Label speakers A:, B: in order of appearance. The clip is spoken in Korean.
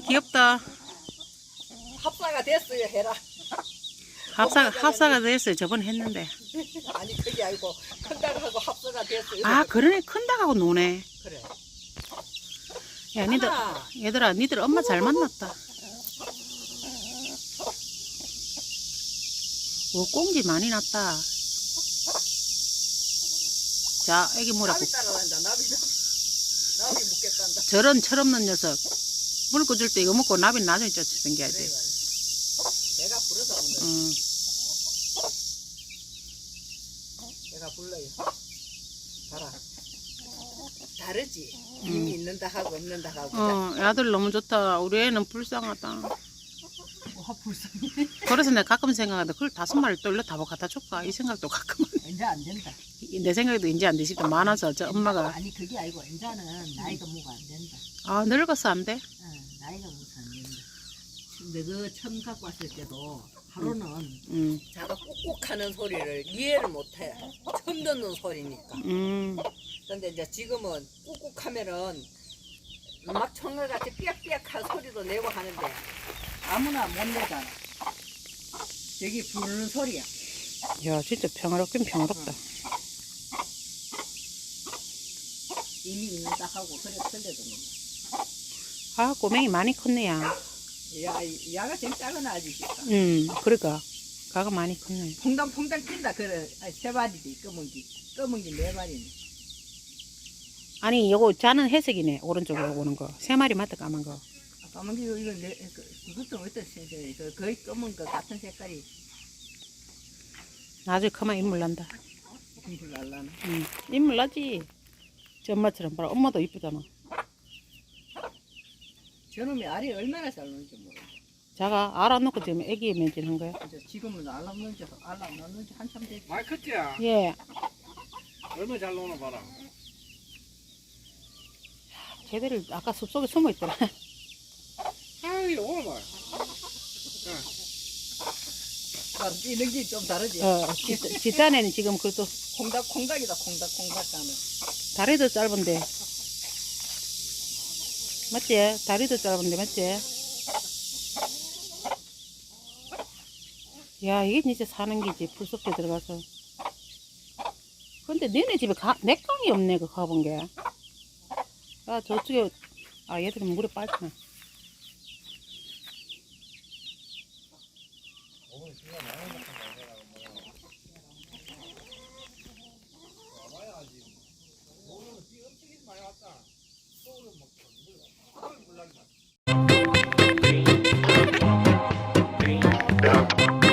A: 귀엽다.
B: 합사가 됐어요 해라.
A: 합사가 됐어요. 저번에 했는데.
B: 아니 그게 아니고 큰딸하고 합사가 됐어요.
A: 아, 그러네. 큰 닭하고 노네.
B: 그래.
A: 야, 니들,
B: 하나.
A: 얘들아, 니들 엄마 잘 만났다. 오, 꽁지 많이 났다. 자, 애기 뭐라고.
B: 나비 따라간다. 나비 묻겠단다.
A: 저런 철없는 녀석. 물 꽂을 때 이거 먹고 나비는 나중에 쫓아당겨야지.
B: 그래 말이야. 내가 부르다 오늘. 내가 불러요. 봐라. 다르지. 힘이 있는다 하고 없는다 하고.
A: 애들 너무 좋다. 우리 애는 불쌍하다.
B: 와 불쌍해.
A: 그래서 내가 가끔 생각하는데 그걸 5마리 또 일로 다 갖다 줄까? 이 생각도 가끔.
B: 이제 안 된다.
A: 내 생각에도 이제 안 되시다. 많아서 저 엄마가.
B: 아니 그게 아니고 이제는 나이가 뭐가 안 된다.
A: 아, 늙어서 안 돼?
B: 나이가 뭐가 안 된다. 근데 그 처음 갖고 왔을 때도 하루는 자가 꾹꾹하는 소리를 이해를 못해. 처음 듣는 소리니까. 근데 이제 지금은 꾹꾹하면은 막 청각같이 삐약삐약한 소리도 내고 하는데 아무나 못 내잖아. 여기 부르는 소리야.
A: 야, 진짜 평화롭긴 평화롭다.
B: 이미 있는다 하고 그래 틀려드는
A: 아, 꼬맹이 많이 컸네, 야.
B: 야가 제일 작은 아저씨다.
A: 그러니까. 가가 많이 컸네.
B: 퐁당퐁당 뛴다. 그래. 세 마리지 검은기. 검은기 4마리네.
A: 아니, 요거 자는 회색이네. 오른쪽으로 오는 거. 3마리 맞다, 까만 거.
B: 검은기 이거 그것도 어떤 거의 검은 거 같은 색깔이
A: 나중에 그만 인물 난다.
B: 공부 날라나.
A: 인물 나지. 저 엄마처럼 봐라. 엄마도 이쁘잖아.
B: 저놈이 알이 얼마나 잘 노는지 모르겠어.
A: 자가 알 안 넣고 지금 애기 매진한 거야?
B: 이제 지금은 알 안 넣는지 한참 됐지.
C: 많이 컸지야.
A: 예.
C: 얼마나 잘 노나 봐라.
A: 쟤들을 아까 숲속에 숨어 있더라.
C: 아이 오늘 말.
B: 이런 게 좀 다르지.
A: 뒷단에는 지금 그래도
B: 콩닥이다. 콩닥 가면.
A: 다리도 짧은데. 맞지? 다리도 짧은데, 맞지? 야, 이게 진짜 사는 기지. 풀숲에 들어가서. 근데 너네 집에 맥강이 없네, 그 가본 게. 아, 저쪽에, 얘들은 물에 빠지나.
C: Yeah.